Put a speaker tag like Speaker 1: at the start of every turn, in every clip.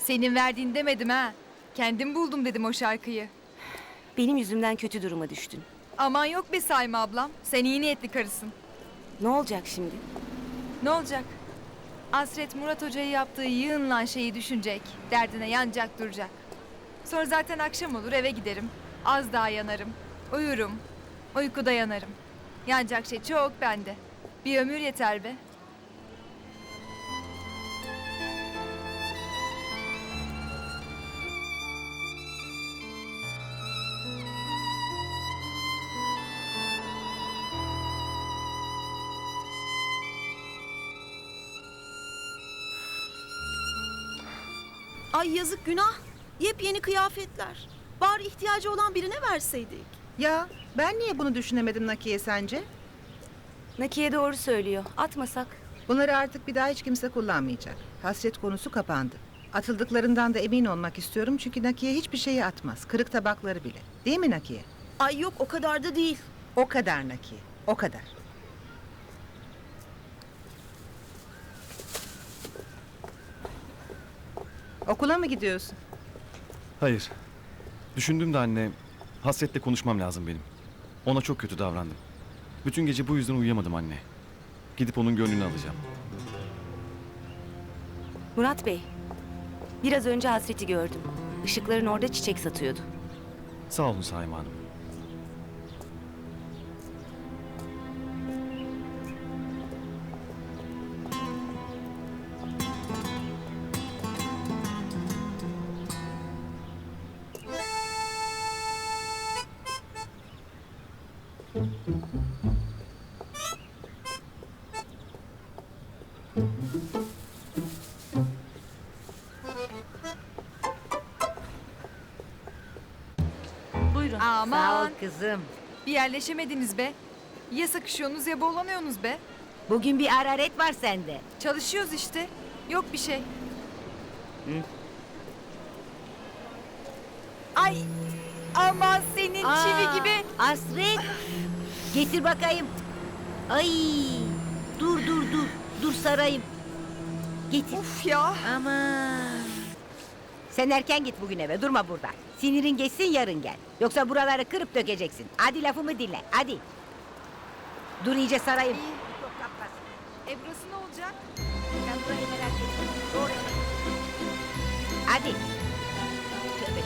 Speaker 1: Senin verdiğin demedim ha. Kendim buldum dedim o şarkıyı.
Speaker 2: Benim yüzümden kötü duruma düştün.
Speaker 1: Aman yok be Sayma ablam. Sen iyi niyetli karısın.
Speaker 2: Ne olacak şimdi?
Speaker 1: Ne olacak? Hasret Murat Hoca'yı yaptığı yığınlan şeyi düşünecek. Derdine yanacak duracak. Sonra zaten akşam olur eve giderim. Az daha yanarım. Uyurum. Uykuda yanarım. Yanacak şey çok bende. Bir ömür yeter be.
Speaker 3: Ay yazık günah. Yepyeni kıyafetler. Bari ihtiyacı olan birine verseydik.
Speaker 4: Ya ben niye bunu düşünemedim Nakiye sence?
Speaker 2: Nakiye doğru söylüyor. Atmasak.
Speaker 4: Bunları artık bir daha hiç kimse kullanmayacak. Hasret konusu kapandı. Atıldıklarından da emin olmak istiyorum çünkü Nakiye hiçbir şeyi atmaz. Kırık tabakları bile. Değil mi Nakiye?
Speaker 3: Ay yok o kadar da değil.
Speaker 4: O kadar Nakiye. O kadar. Okula mı gidiyorsun?
Speaker 5: Hayır. Düşündüm de anne, Hasret'le konuşmam lazım benim. Ona çok kötü davrandım. Bütün gece bu yüzden uyuyamadım anne. Gidip onun gönlünü alacağım.
Speaker 2: Murat Bey. Biraz önce Hasret'i gördüm. Işıkların orada çiçek satıyordu.
Speaker 5: Sağ olun Saime Hanım.
Speaker 3: Buyurun.
Speaker 1: Aman.
Speaker 6: Sağ ol kızım.
Speaker 1: Bir yerleşemediniz be. Ya sıkışıyorsunuz ya boğulanıyorsunuz be.
Speaker 6: Bugün bir hararet var sende.
Speaker 1: Çalışıyoruz işte. Yok bir şey. Ay aman senin çivi gibi.
Speaker 6: Hasret. Getir bakayım. Ay. Dur. Dur sarayım. Getir.
Speaker 1: Uf ya.
Speaker 6: Aman. Sen erken git bugün eve. Durma burada. Sinirin geçsin yarın gel. Yoksa buraları kırıp dökeceksin. Hadi lafımı dinle. Hadi. Dur iyice sarayım.
Speaker 1: İyi.
Speaker 6: Çok kapmasın.
Speaker 1: Burası ne olacak?
Speaker 6: Sen burayı merak etme. Doğru eve. Hadi. Tövbe.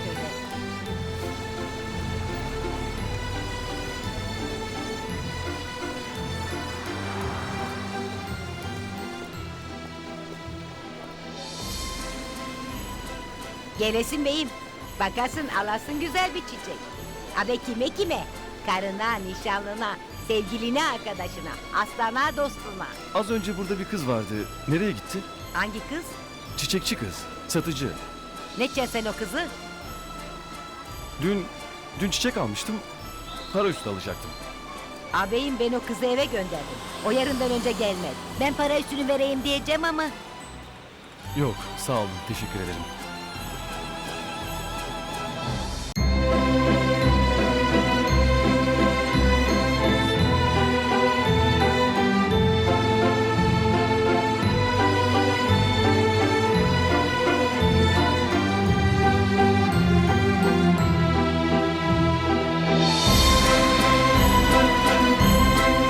Speaker 6: Gelesin beyim. Bakasın alasın güzel bir çiçek. Abi kime? Karına, nişanlına, sevgiline, arkadaşına, aslana, dostuna.
Speaker 5: Az önce burada bir kız vardı. Nereye gitti?
Speaker 6: Hangi kız?
Speaker 5: Çiçekçi kız. Satıcı.
Speaker 6: Ne edeceksin sen o kızı?
Speaker 5: Dün çiçek almıştım. Para üstü alacaktım.
Speaker 6: Ağabeyim ben o kızı eve gönderdim. O yarından önce gelmedi. Ben para üstünü vereyim diyeceğim ama.
Speaker 5: Yok, sağ olun. Teşekkür ederim.